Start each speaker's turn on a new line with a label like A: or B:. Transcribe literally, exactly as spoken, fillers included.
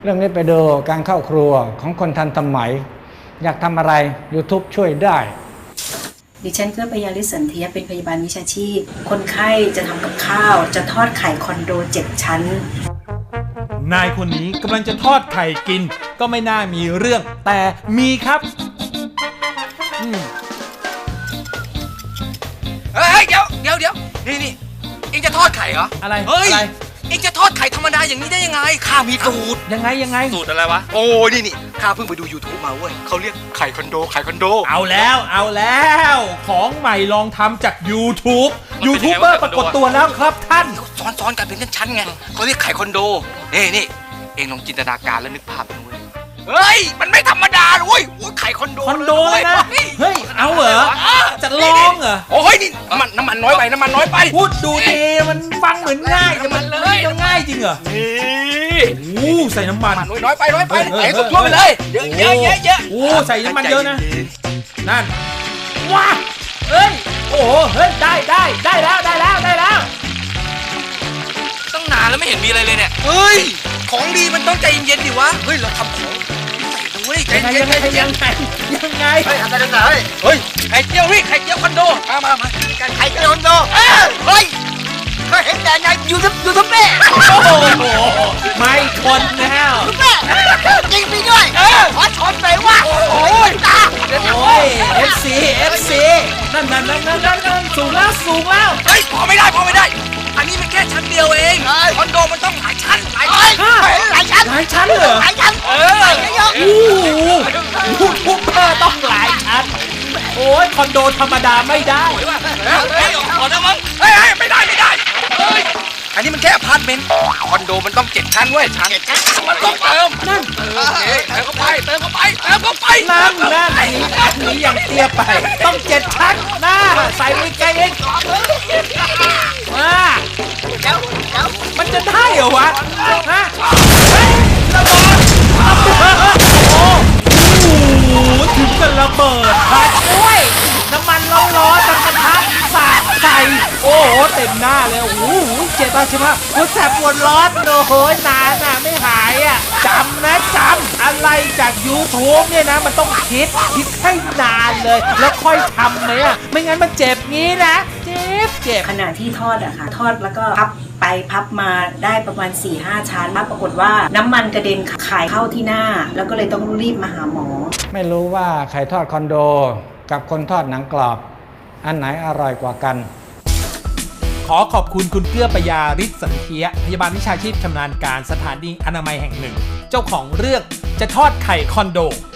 A: เรื่องนี้ไปดูการเข้าครัวของคนทันสมัยอยากทำอะไร YouTube ช่วยได้
B: ดิฉันเกื้อปยาฤทธิ์สันเทียเป็นพยาบาลวิชาชีพคนไข้จะทำกับข้าวจะทอดไข่คอนโดเจ็ดชั้น
C: นายคนนี้กำลังจะทอดไข่กินก็ไม่น่ามีเรื่องแต่มีครับอืม
D: เฮ้ยเดี๋ยวเดี๋ยวเดี๋ยวนี่นี่เอ็งจะทอดไข่เหรอ
C: อะไร
D: เฮ้ย
C: อะไร
D: เอ็งจะทอดไข่ธรรมดาอย่างนี้ได้ยังไงข้ามีสูตร
C: ยังไงยังไง
D: สูตรอะไรวะโอ้นี่นี่ข้าเพิ่งไปดู YouTube มาเว้ยเขาเรียกไข่คอนโดไข่คอนโด
C: เอาแล้วเอาแล้วของใหม่ลองทำจาก YouTube ยูทูบเบอร์ปรากฏตัวแล้วครับท่าน
D: ซ้อนๆกันเป็นชั้นๆไงเขาเรียกไข่คอนโดนี่นี่เอ็งลองจินตนาการแล้วนึกภาพดูเฮ้ยมันไม่ธรรมดาเลยเว้ยไข่คอนโด
C: คอนโดเลยนะเฮ้ยเอาเหรอจะลองเหรอ
D: โอ้ยนี่น้ำมันน้ำมันน้อยไปน้ำมันน้อยไป
C: พูดดูดีมันฟังเหมือนง่ายแต่มันเลยจะง่ายจริงเหรอนี่โอ้ใส่น้ำมัน
D: น้อยไปน้อยไปใส่สุดทั่วไปเลยเยอะเยอะเยอะเยอะ
C: โอ้ใส่น้ำมันเยอะนะนั่นว้าเฮ้ยโอ้เฮ้ยได้ได้ได้แล้วได้แล้วได้แล้ว
D: ตั้งนานแล้วไม่เห็นมีอะไรเลยเนี่ยเฮ้ยของดีมันต้องใจเย็นๆดิวะเฮ้ยเราทำของเฮ้ย
C: ยังไงยังไงยังไงยังไง
D: เฮ้ยทำอะไรกันเฮ้ยเฮ้ยไข่เจียวนี่ไข่เจียวคอนโดมามามาไข่เจียวคอนโดเฮ้ยก็เห็นแต่ในยูทูบยูทูบแม่
C: โอ้โหไม่คนแล้ว
D: แม่จริงพี่ด้วยขอชนไปว่าโอ้ยตา
C: โอ้ย เอฟ ซี เอฟ ซี นั่นนั่นนั่นนั่นนั่นสูงแล้วสูงแล้ว
D: เฮ้ยพอไม่ได้พอไม่ได้อันนี้มันแค่ชั้นเดียวเองคอนโดมันต้องหลายชั้นหลายชั้น
C: หลายชั้นหลายชั้นเหรอ
D: หลายชั้นเออ
C: โอ้โหยูทูบเบอร์ต้องหลายชั้นโอ้ยคอนโดธรรมดาไม่ได้
D: เฮ้ยขอนะมึงเฮ้ยไม่ได้ไม่ได้เฮ้ยอันนี้มันแค่อพาร์ตเมนต์คอนโดมันต้องเจ็ดชั้นเว้ยชั้นมันต้องเติม
C: นั่น
D: เติมเข้าไปเติมเข้าไปเติมเข้าไป
C: นั่นนั่นนี่ยังเตี้ยไปต้องเจ็ดชั้นนะใส่ไปไกลเองมามันจะได้เหรอวะฮะระเบิดโอ้โหถึงกับระเบิดครับโอ้ยน้ำมันร้อนๆจากกระทะสาดใส่โอ้โหเต็มหน้าเลยโอ้โหเจ็บมากใช่ไหมปวดแสบปวดร้อนโอ้โหนานน่ะไม่หายอ่ะจำนะจำอะไรจาก YouTube เนี่ยนะมันต้องคิดคิดให้นานเลยแล้วค่อยทำเลยอ่ะไม่งั้นมันเจ็บงี้นะเจ็บเจ็บ
B: ขณะที่ทอดอะค่ะทอดแล้วก็พับไปพับมาได้ประมาณ สี่ห้า ชั้นปรากฏว่าน้ำมันกระเด็นไข่เข้าที่หน้าแล้วก็เลยต้องรีบมาหาหมอ
A: ไม่รู้ว่าไข่ทอดคอนโดกับคนทอดหนังกรอบอันไหนอร่อยกว่ากัน
C: ขอขอบคุณคุณเกื้อปยาฤทธิ์สันเทียพยาบาลวิชาชีพชำนาญการสถานีอนามัยแห่งหนึ่งเจ้าของเรื่องจะทอดไข่คอนโด